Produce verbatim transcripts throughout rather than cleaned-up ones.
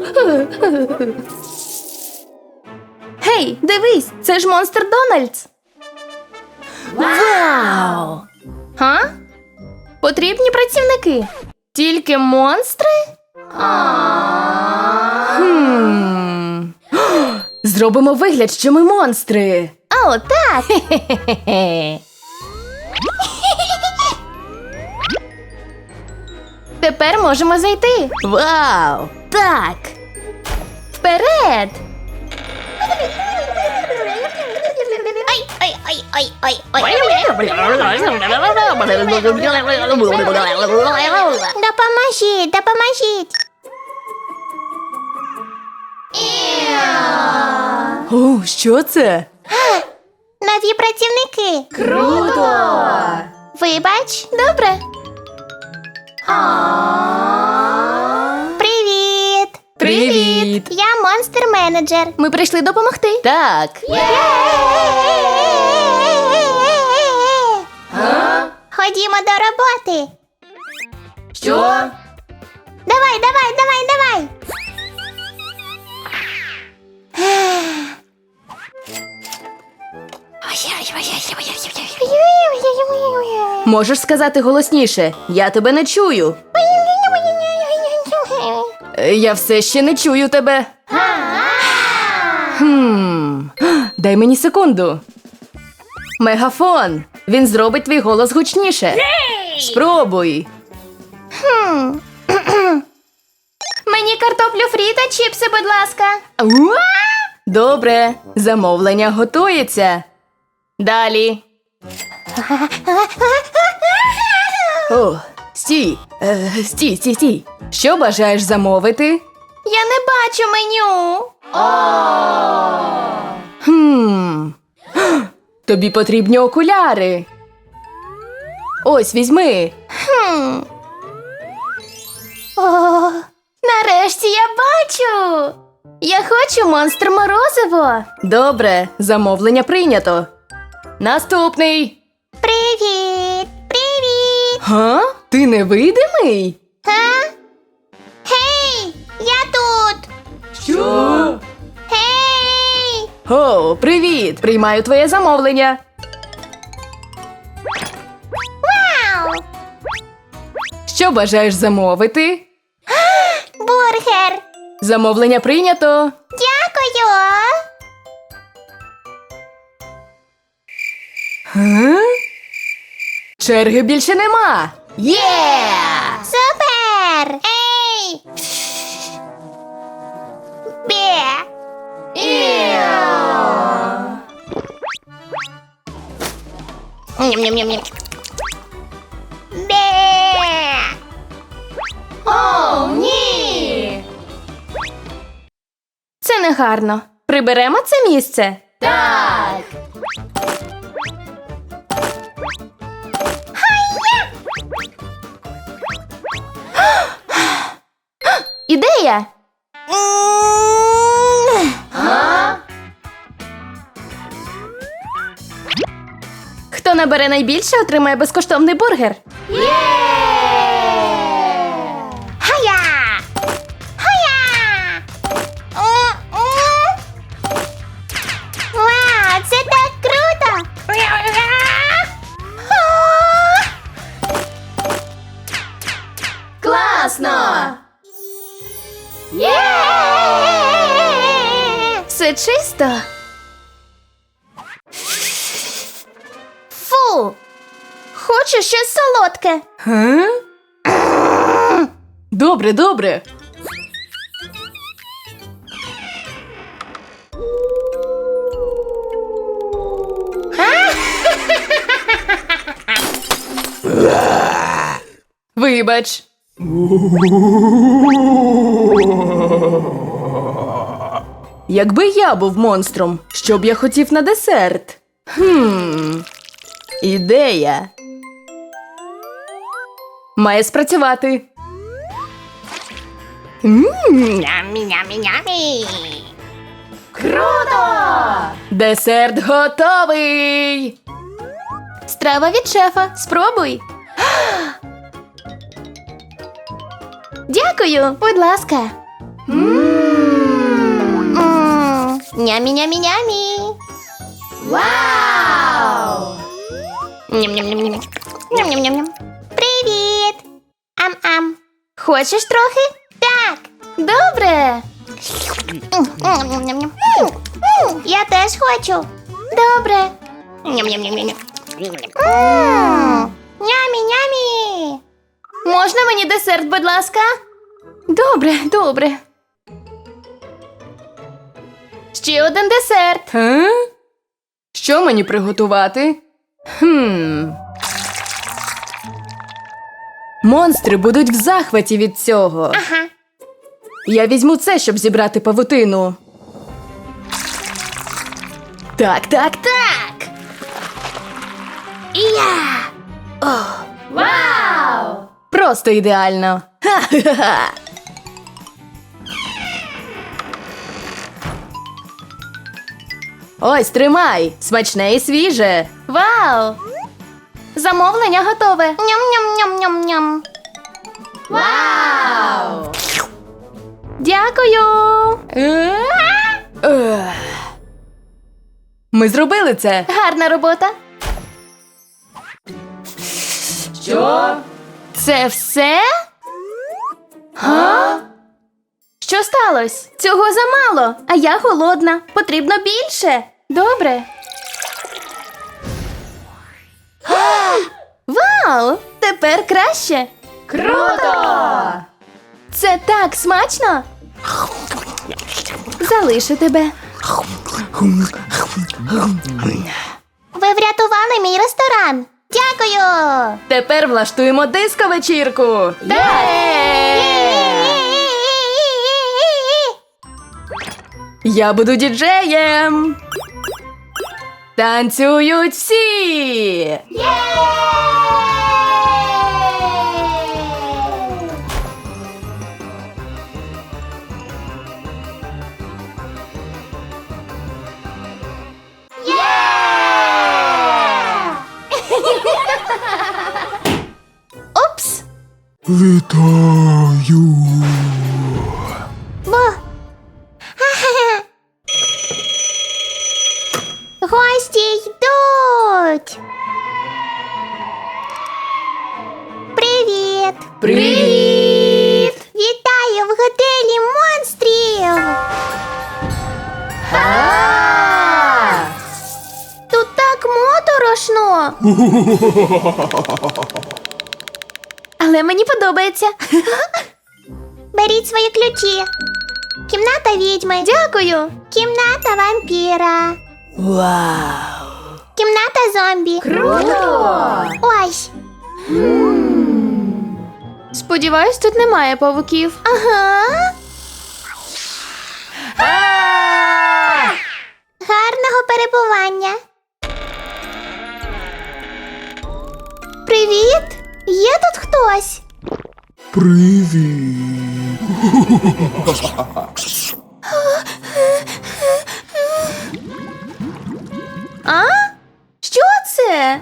Гей, дивись, це ж Монстр Дональдс. Вау! Га? Потрібні працівники. Тільки монстри? Хм. Зробимо вигляд, що ми монстри. О, так! Тепер можемо зайти. Вау! Так! Вперед! Ай, ай, ай, ай, ай, ай. Допоможіть, допоможіть. О, що це? Нові працівники. Круто! Вибач. Добре. Привіт. Привіт! Я монстр-менеджер. Ми прийшли допомогти. Так. Ходімо до роботи. Що? Давай, давай, давай, давай. Можеш сказати голосніше. Я тебе не чую. Е, Я все ще не чую тебе. Хм. Дай мені секунду. Мегафон. Він зробить твій голос гучніше. Спробуй. Мені картоплю фрі та чіпси, будь ласка. Добре. Замовлення готується. Далі. О, стій. Е, стій, стій, стій. Що бажаєш замовити? Я не бачу меню. Хм. Тобі потрібні окуляри. Ось, візьми. Хм. О, нарешті я бачу. Я хочу монстр морозиво. Добре, замовлення прийнято. Наступний. Привіт. Привіт. Га? Ти невидимий? Га? Гей, я тут. Що? Гей. О, привіт! Приймаю твоє замовлення. Вау. Що бажаєш замовити? Бургер. Замовлення прийнято. Дякую. Га? Черги більше нема. Є! Супер. Ей. Бе. Ням-ням-ням-ням. Бе. О, ні! Це не гарно. Приберемо це місце? Так! Ідея! Хто набере найбільше, отримає безкоштовний бургер. Хая! Хая! Вау, це так круто! Класно! Все чисто. Фу! Хочу щось солодке. Га? Добре, добре. Вибач. Якби я був монстром, що б я хотів на десерт? Хм. Ідея. Має спрацювати. Нямі-нямі-нямі. Круто! Десерт готовий! Страва від шефа. Спробуй. Дякую, будь ласка. Мм. Нямі-нямі-нямі. Вау! Ням-ням-ням-ням. Ням-ням-ням-ням. Привіт! Ам-ам. Хочеш трохи? Так. Добре. Ням-ням-ням-ням. Я теж хочу. Добре. Ням-ням-ням-ням. М, Нямі-нямі. Можна мені десерт, будь ласка? Добре, добре. Ще один десерт. Га? Що мені приготувати? Хм. Монстри будуть в захваті від цього. Ага. Я візьму це, щоб зібрати павутину. Так, так, так. Я. Вау! Просто ідеально. Ха-ха-ха. Ось, тримай. Смачне і свіже. Вау! Замовлення готове. Ням-ням-ням-ням-ням. Вау! Дякую. Ех. Ми зробили це. Гарна робота. Що? Це все? Га? Що сталося? Цього замало, а я голодна. Потрібно більше. Добре. Вау! Тепер краще. Круто! Це так смачно. Залишу тебе. Ви врятували мій ресторан. Дякую. Тепер влаштуємо диско-вечірку. Я буду діджеєм. Танцюють всі. Упс. Вітаю! Бо. Гості йдуть. Привіт. Привіт! Вітаю в готелі монстрів. Тут так моторошно. Але мені подобається. Беріть свої ключі. Кімната відьми. Дякую. Кімната вампіра. Вау! Кімната зомбі. Круто! Ось. Сподіваюсь, тут немає павуків. Ага. Гарного перебування. Привіт! Є тут хтось? Привіт! А? Що це?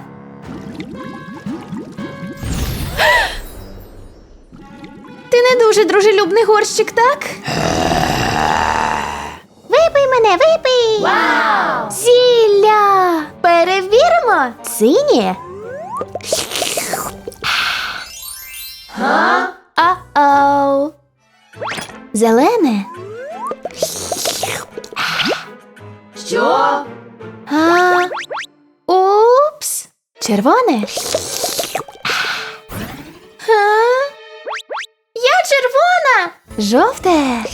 Ти не дуже дружелюбний горщик, так? Випий мене, випий! Вау! Зілля! Перевіримо! Синє? Га? А-оу! Зелене? Що? А? Упс! Червоне? А? Я червона! Жовте!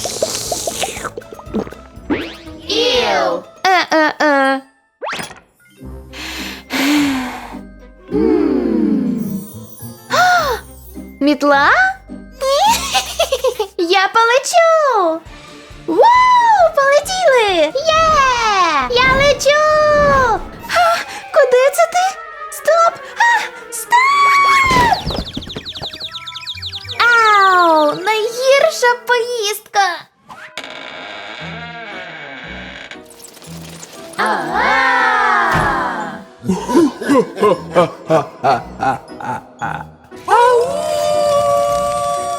Іл! Е-е-е. Мітла? Я полечу! Вау! Полетіли! Є! Я лечу! А, куди це ти? Стоп! А, стоп! Ау! Найгірша поїздка!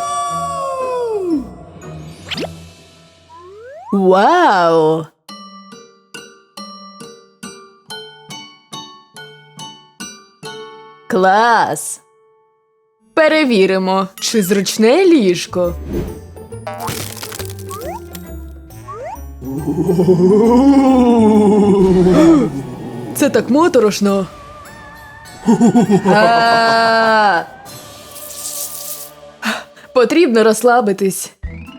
Вау! Клас! Перевіримо, чи зручне ліжко. Це так моторошно. А! Потрібно розслабитись.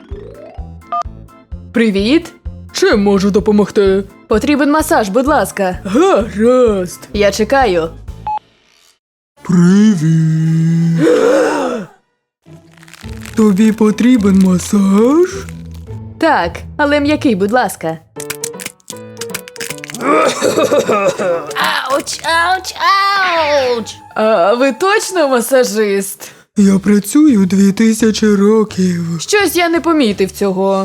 Привіт! Чим можу допомогти? Потрібен масаж, будь ласка. Гаразд. Я чекаю. Привіт! Тобі потрібен масаж? Так, але м'який, будь ласка. Ауч, ауч, ауч! А ви точно масажист? Я працюю дві тисячі років. Щось я не помітив цього.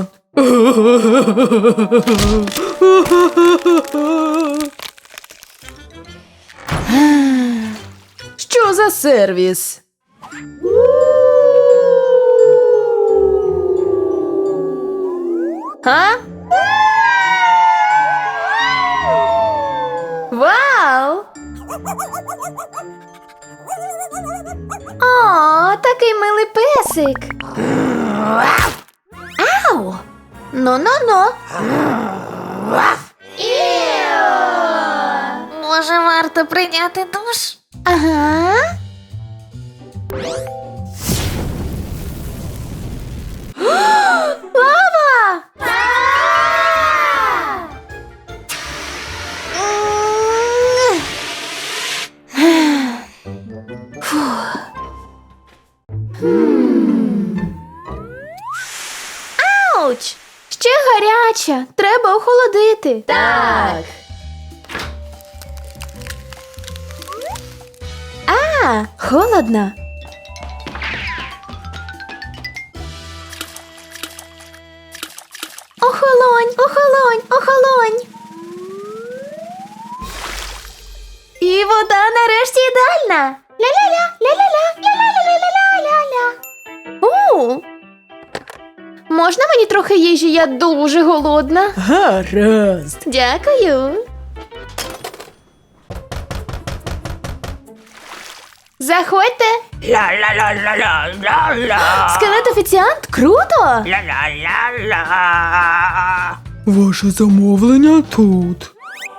Що за сервіс? Га? Вау! О, такий милий песик. Ау! Ну-ну-ну. Може, варто прийняти душ? Ага. Лава! Ауч! Ще гаряча. Треба охолодити. Так. А, холодно. Охолонь, охолонь, охолонь. І вода нарешті ідеальна. Ля-ля-ля, ля-ля-ля, ля-ля-ля-ля-ля-ля-ля. У. Можна мені трохи їжі? Я дуже голодна. Гаразд. Дякую. Заходьте. Ла-ла-ла-ла-ла-ла-ла. Скелет-офіціант? Круто! Ла-ла-ла-ла. Ваше замовлення тут.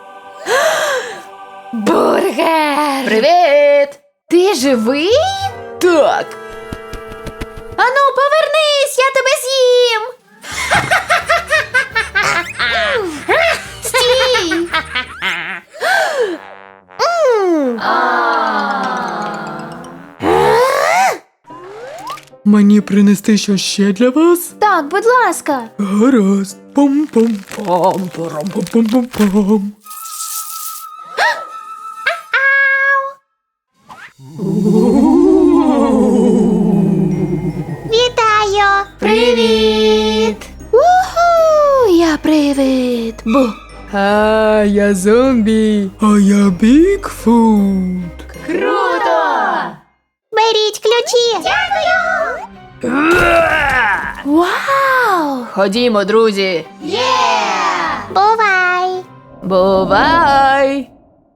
Бургер! Привіт! Ти живий? Так. Ану, повернись, я тебе з'їм. Стій! М. Мені принести щось ще для вас? Так, будь ласка. Гаразд. Пам-пам-пам, парам-пам-пам-пам. Вітаю! Привіт! Уху, я привид. Бу. А, я зомбі. А я Бігфут. Круто! Беріть ключі! Дякую! Вау! Ходімо, друзі. Бувай! Бувай!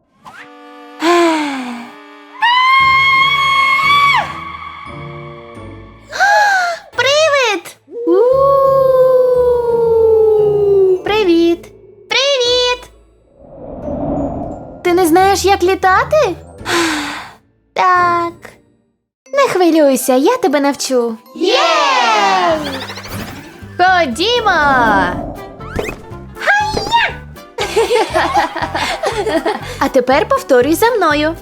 Привид! Привіт! Привіт! Ти не знаєш, як літати? Так. Не хвилюйся, я тебе навчу. Єй! Ходімо! А тепер повторюй за мною.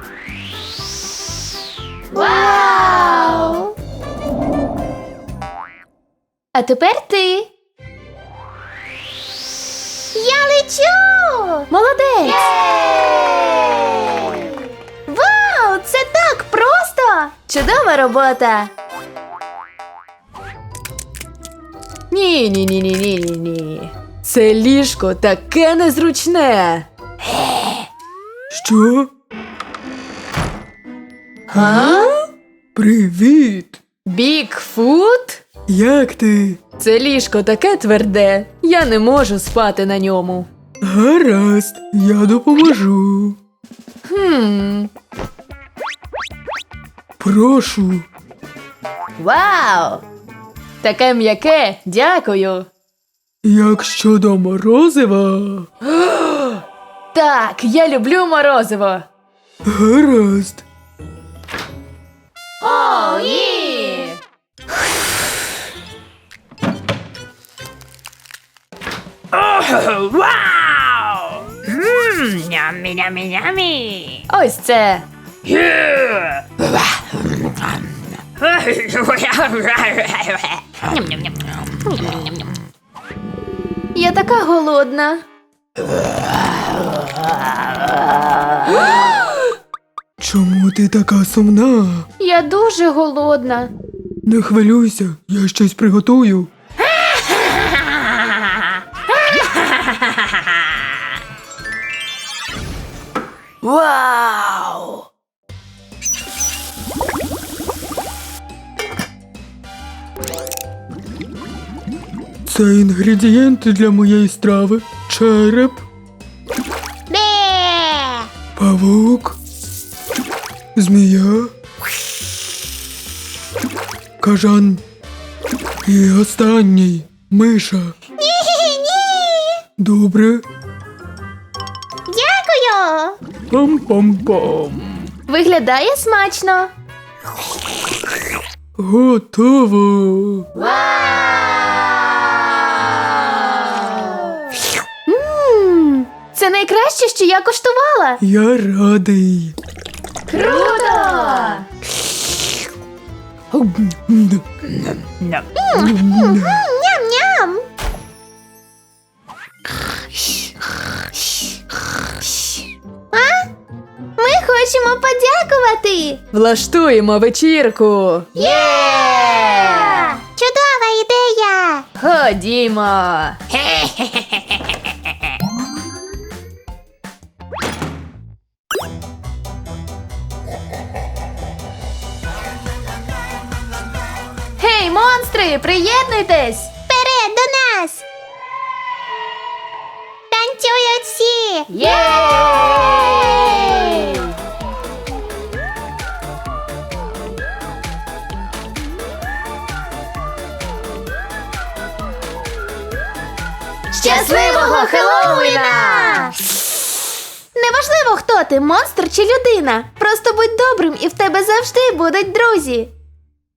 Вау! А тепер ти. Я лечу! Молодець! Вау! Це так просто! Чудова робота! Ні, ні, ні, ні, ні, ні, ні. Це ліжко таке незручне. Що? Га? Привіт! Бігфут? Як ти? Це ліжко таке тверде. Я не можу спати на ньому. Гаразд, я допоможу. Хм. Прошу. Вау! Таке м'яке, дякую. Як щодо морозива? Так, я люблю морозиво. Гаразд. О, ні! Вау! Ммм, нямі, нямі, нямі. Ось це. Я така голодна. Чому ти така сумна? Я дуже голодна. Не хвилюйся, я щось приготую. Вау! Це інгредієнти для моєї страви. Череп, Бе. павук, змія, кажан і останній миша. Ні-ні-ні. Добре. Дякую. Пам-пам-пам. Виглядає смачно. Готово. Мм, це найкраще, що я коштувала. Я радий. Круто! Ням-ням. А? Ми хочемо подякувати. Влаштуємо вечірку. Є! Чудова ідея. Ходімо. Гей, монстри, приєднуйтесь! Вперед до нас. Танцюють всі. Єй! Щасливого Хеллоуіна! Неважливо, хто ти, монстр чи людина. Просто будь добрим і в тебе завжди будуть друзі.